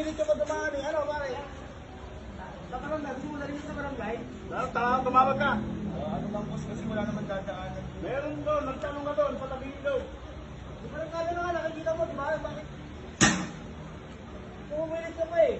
pumilit yung dumaan eh. Ano, pare? Sa barangay, gusto mo na rin sa barangay? Tumawag ka. Ano bang boss kasi wala naman dadaanan. Meron doon, nagtanong ka doon, patabing doon. Di ba nang kala na nga, nakikita mo, di ba? Bakit? Pumilit ka pa eh.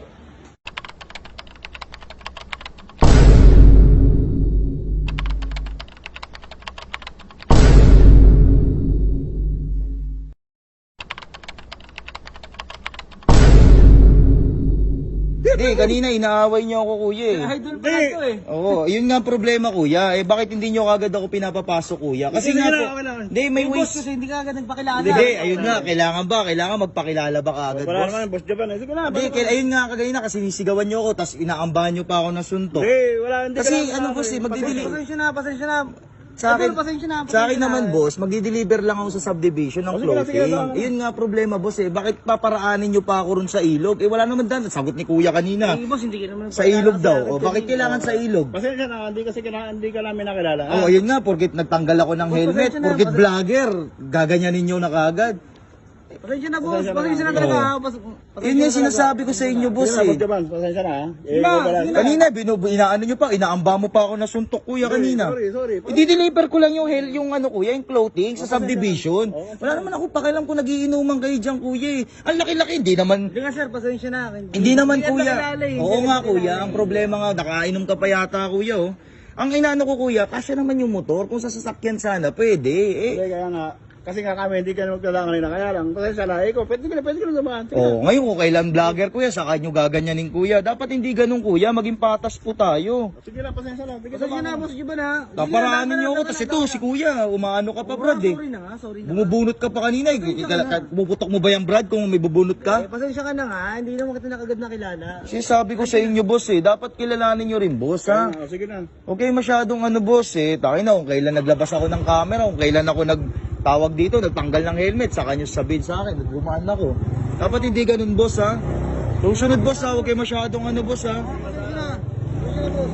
Hindi, kanina inaaway niyo ako, kuya eh. Idol pa to eh. Oo, yun nga ang problema, kuya. Eh, bakit hindi niyo kagad ako pinapapasok, kuya? Kasi nga po, hindi, may Boss ways. kasi hindi ka agad nagpakilala. Hindi, ayun nga, kailangan ba? Kailangan magpakilala ba kaagad, Wala boss? naman, boss Japan. Sige na. Hindi, ayun nga, kagaya na, kasi sinisigawan niyo ako, tapos inaambahan niyo pa ako ng suntok. Hindi, wala. Hindi Kasi ka ano, boss eh, Pasensya na, pasensya na. Sa akin, Pasensya na, sa akin pasensya na. naman, boss, magdi-deliver lang ako sa subdivision ng Sige na, sige clothing. na. Ayun nga problema, boss eh. Bakit paparaanin niyo pa ako ron sa ilog? Eh, wala naman dan. Sagot ni kuya kanina. Eh, boss, hindi ka naman Sa ilog daw. O, bakit kailangan sa ilog? Pasensya na, hindi ka namin nakilala. Oh, ayun nga, porkit nagtanggal ako ng helmet, pasensya na, porkit vlogger, gaganyanin nyo na kaagad. Pasensya na, boss. Pasensya na talaga. Yun yung sinasabi ko sa inyo, boss Sige na, eh. boss Japan. Pasensya na. Kanina, inaano nyo pa, inaamba mo pa ako na suntok, kuya, kanina. Sorry. I-deliver ko lang yung ano, kuya, yung clothing sa subdivision. Wala naman ako pakialam kung nagiinuman kayo dyan, kuya eh. Ang laki-laki, hindi naman. Hindi nga, sir. Pasensya na. Hindi naman, ka kuya. nakilala eh. Oo nga, kuya. Ang problema nga, nakainom ka pa yata, kuya, oh. Ang inaano ko, kuya, kasya naman yung motor. Kung sa sasakyan sana, pwede. Eh, Hindi, kaya nga. Kasi nga kami, hindi ka na magdala kanina. Kaya lang, pasensya na. Ikaw, pwede ka na naman. oh, ngayon kung kailan vlogger, kuya, saka nyo gaganyanin, kuya. Dapat hindi ganun, kuya. Maging patas po tayo. Sige lang, pasensya na. Pasensya na, boss. Iba na. Kaparaanin nyo ako, tas ito, si kuya, umaano ka pa, Brad, eh. Sorry na nga, sorry na. Bumubunot ka pa kanina, eh. Puputok mo ba yung Brad kung may bubunot ka? Pasensya ka na nga. Hindi naman kita nakagad nakilala. Sinasabi ko sa inyo, boss, eh. Dapat kilalanin nyo rin, boss, ha? Sige na. Okay, masyadong ano, boss, eh. Takin na kung kailan naglabas ako ng camera, kung kailan ako nagtawag dito, nagtanggal ng helmet, saka nyo sabihin sa akin, nagbumaan ako. Dapat hindi ganun, boss, ha? Susunod, boss, ha? Huwag kayo masyadong ano, boss, ha? Pasensya na. Pasensya na, boss.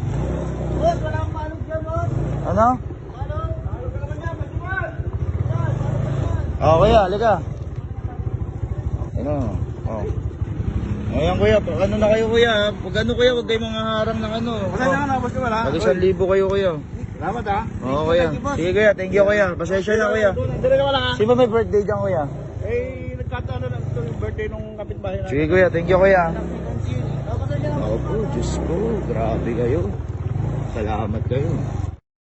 Boss, wala akong paalog dyan, boss. Ano? Paalog ka naman dyan, masiman. Oh, kuya, halika. Ano? Oh. Ngayon, kuya, ano na kayo, kuya? Pag ano, kuya, huwag kayo mga harang ng ano. Pasensya ka na, boss Japan, ha? Pag 1,000 kayo, kuya. Salamat, ha? Oo, kuya. Sige, kuya. Thank you, kuya. Pasensya na, kuya. Hindi ka wala, ha? Sino ba may birthday dyan, kuya? Eh, nagkataon lang ito yung birthday nung kapitbahay na. Sige, kuya. Thank you, kuya. Pasensya na. Ako po, Diyos ko. Grabe kayo. Salamat kayo.